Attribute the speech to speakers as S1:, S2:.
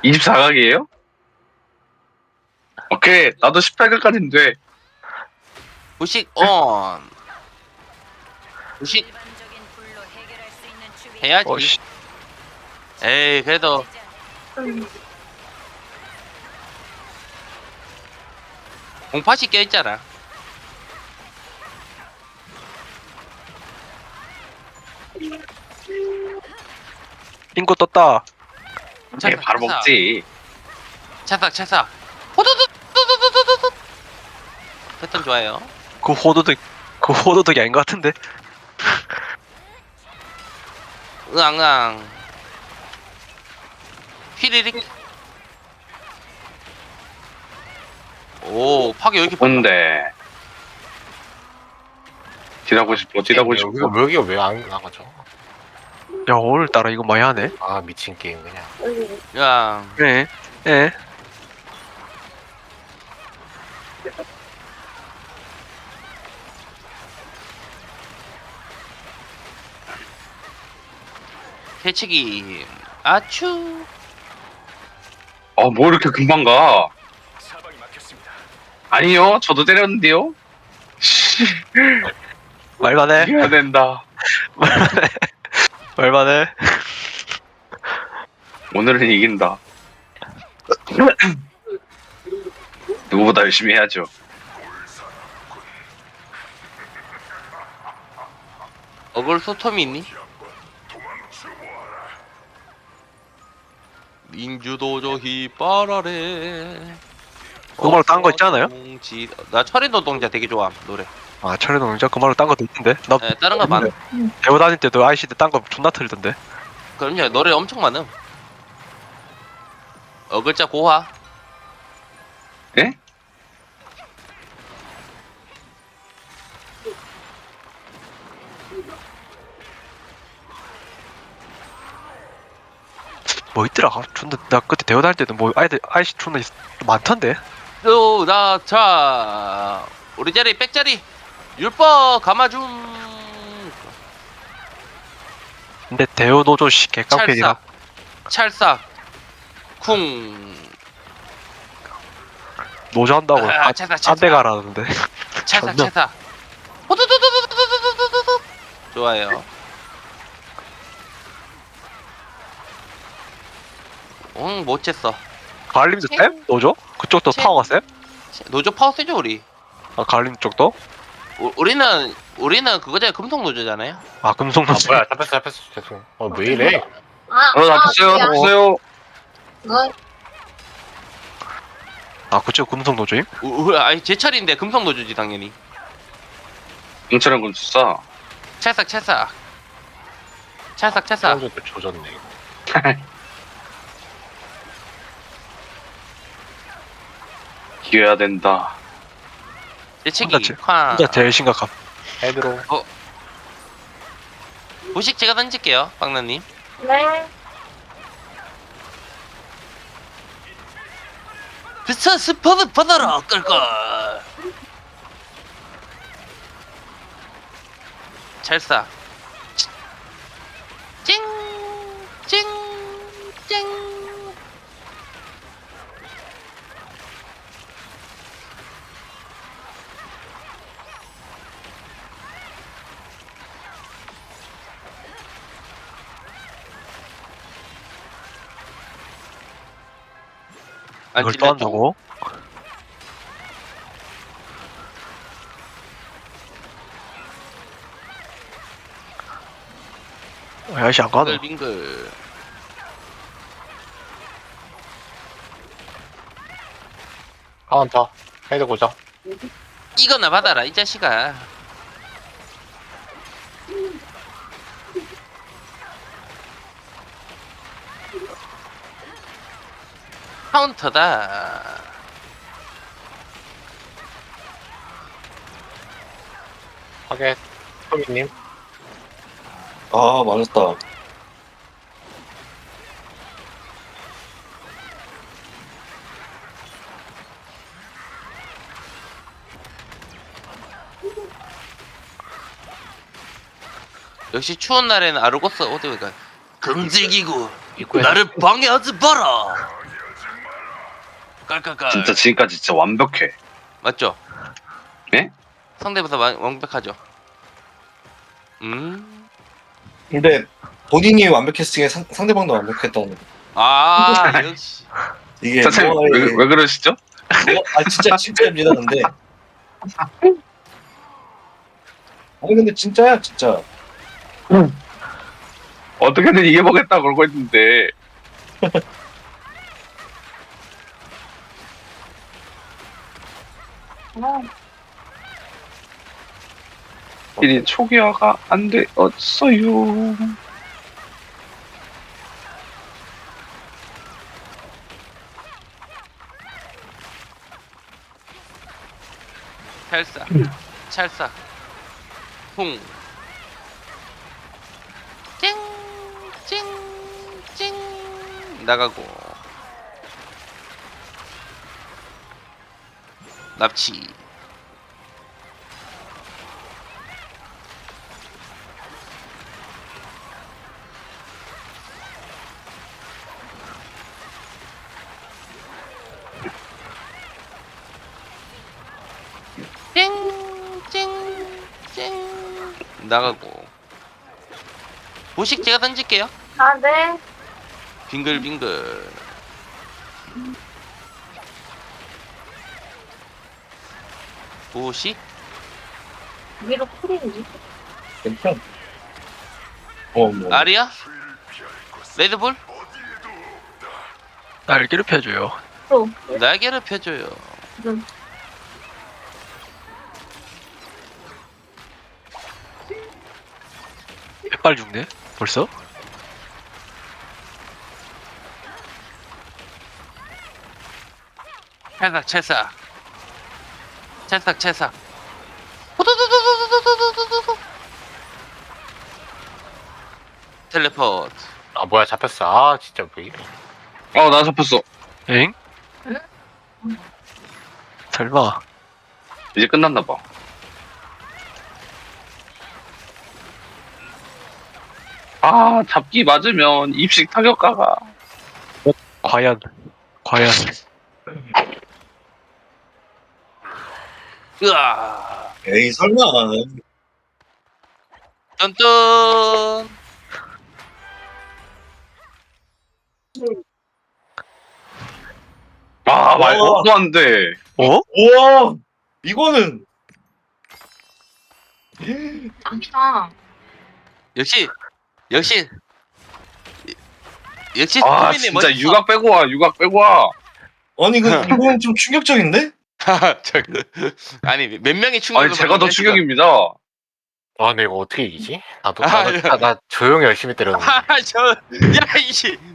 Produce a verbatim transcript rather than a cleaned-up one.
S1: 이십사 각이에요? 오케이, 나도 십팔 각까지는 돼.
S2: 부식 온. 부식 해야지.
S3: 어씨.
S2: 에이 그래도 공팟이 껴있잖아.
S3: 빙고 떴다.
S1: 오케이, 바로 먹지.
S2: 차삭 차삭 호두두두두두두두. 패턴 좋아요.
S3: 그 호도득 그 호도득이 아닌 것 같은데.
S2: 으앙으앙 휘리릭. 오 파괴 왜 이렇게 빠르다.
S1: 뭔데? 딜하고 싶어, 딜하고 싶어.
S4: 여기가 여기가 왜 안 나가죠?
S3: 야 오늘따라 이거 많이 하네.
S4: 아 미친 게임 그냥.
S2: 야
S3: 예. 예.
S2: 해치기 아추.
S1: 어, 뭐 이렇게 금방 가? 아니요, 저도 때렸는데요? 씨,
S3: 말만해.
S1: 이겨야 된다.
S3: 말만해.
S1: 오늘은 이긴다. 누구보다 열심히 해야죠.
S2: 어글 소톰이 있니? 민주도저 휘바라레.
S3: 그 말로 딴 거 있지 않아요?
S2: 동지- 나 철인 노동자 되게 좋아 노래.
S3: 아 철의 농장 그 말로 딴 것도 있던데. 나
S2: 네, 다른 거 많아.
S3: 대호 다닐 때도 아이씨 때 딴 거 존나 틀던데.
S2: 그럼요 노래 엄청 많음. 어글자 고화.
S1: 예?
S3: 뭐 있더라. 아, 존나 나 그때 대호 다닐 때도 뭐 아이들 아이씨 존나 있- 많던데.
S2: 또나자 우리 자리 백자리 율법 감아줌.
S3: 근데 대호 노조 씨 개깡패이라.
S2: 찰싹 찰싹 쿵.
S3: 노조 한다고
S2: 아,
S3: 아,
S2: 찰싹
S3: 딴데
S2: 찰싹
S3: 가라는데.
S2: 찰싹
S3: 존나.
S2: 찰싹 호두두두두두두두두두. 좋아요. 응, 못 챘어.
S3: 가을림도 쌤? 노조? 그쪽도
S2: 쌤.
S3: 파워가 쌤?
S2: 노조 파워 세죠 우리.
S3: 아 가을림 쪽도?
S2: 우, 우리는 우리는 그거잖아요. 금속 노조잖아요.
S3: 아 금속
S4: 아
S3: 노조.
S4: 뭐야 잡혔어 잡혔어 죄송. 어왜 이래?
S5: 아,
S1: 어, 잡혔어요,
S5: 미안.
S1: 잡혔어요.
S5: 뭐,
S3: 아 그쪽 금속 노조임?
S2: 우, 우, 아니 제 차례인데 금속 노조지 당연히.
S1: 경찰은 군수사.
S2: 찰싹 찰싹 찰싹 찰싹.
S4: 사람들도 조졌네 이거.
S1: 이겨야 된다.
S2: 대책이
S3: 혼자 제-
S2: 쾅.
S3: 진짜 제일 심각함.
S4: 헤드로.
S2: 보식 제가 던질게요 박나님.
S5: 네.
S2: 비싸 스퍼드 받아라 끌걸. 찰싹 찡찡찡. 안
S3: 이걸 또
S2: 찔렸죠?
S3: 한다고? 야씨 안 가노.
S2: 빙글빙글.
S4: 카운터. 헤드 고정.
S2: 이거나 받아라 이 자식아. 카운터다.
S4: 하게. 토미님.
S6: 아, 맞았다.
S2: 역시 추운 날에는 아르고스 어디가 금질기구
S4: 입구에
S2: 나를 방해하지 마라. 깔깔깔.
S1: 진짜 지금까지 진짜 완벽해.
S2: 맞죠?
S1: 네?
S2: 상대보다 완- 완벽하죠. 음.
S6: 근데 본인이 완벽했으니 상, 상대방도 완벽했다는.
S2: 아 역시.
S6: 이게
S1: 선생님
S6: 뭐가
S1: 왜,
S6: 이게-
S1: 왜 그러시죠?
S6: 뭐, 아 진짜 진짜입니다. 근데 아니 근데 진짜야 진짜.
S1: 어떻게든 이겨보겠다 그러고 있는데
S5: 어,
S1: 이 초기화가 안 되었어요.
S2: 찰싹. 찰싹. 홍. 찡. 찡. 찡. 나가고. 납치. 찡찡찡 나가고. 보식 제가 던질게요.
S5: 아, 네.
S2: 빙글빙글. 보식.
S5: 위로 풀이니?
S6: 괜찮. 어 뭐.
S2: 아리아. 레드볼.
S3: 날개를 펴줘요.
S5: 또,
S2: 날개를 펴줘요.
S5: 지금.
S3: 빨리 죽네. 벌써?
S2: 찰싹 찰싹. 찰싹 찰싹. 호도도도도도도도도도. 텔레포트.
S4: 아 뭐야 잡혔어. 아 진짜 왜 이래.
S1: 어나 잡혔어.
S3: 엥?
S5: 응?
S3: 설마.
S1: 이제 끝났나봐. 아 잡기 맞으면 입식 타격가가
S3: 과연. 과연.
S2: 으아.
S6: 에이 설마.
S2: 뚠뚠.
S1: 아 말도 안 돼.
S3: 어?
S6: 우와 이거는.
S5: 아니다.
S2: 역시 역시 역시
S1: 아
S2: 스쿠비님
S1: 진짜
S2: 멋있어.
S1: 육각 빼고 와 육각 빼고 와.
S6: 아니 이거 이건 좀 충격적인데?
S2: 저, 아니 몇 명이 충격을
S1: 아니 제가 더
S2: 받았네, 지금.
S1: 충격입니다.
S4: 아 근데 이거 어떻게 이기지? 나도
S2: 아,
S4: 나도, 나, 나 조용히 열심히 때렸는데.
S2: 아, 저, 야, 이씨.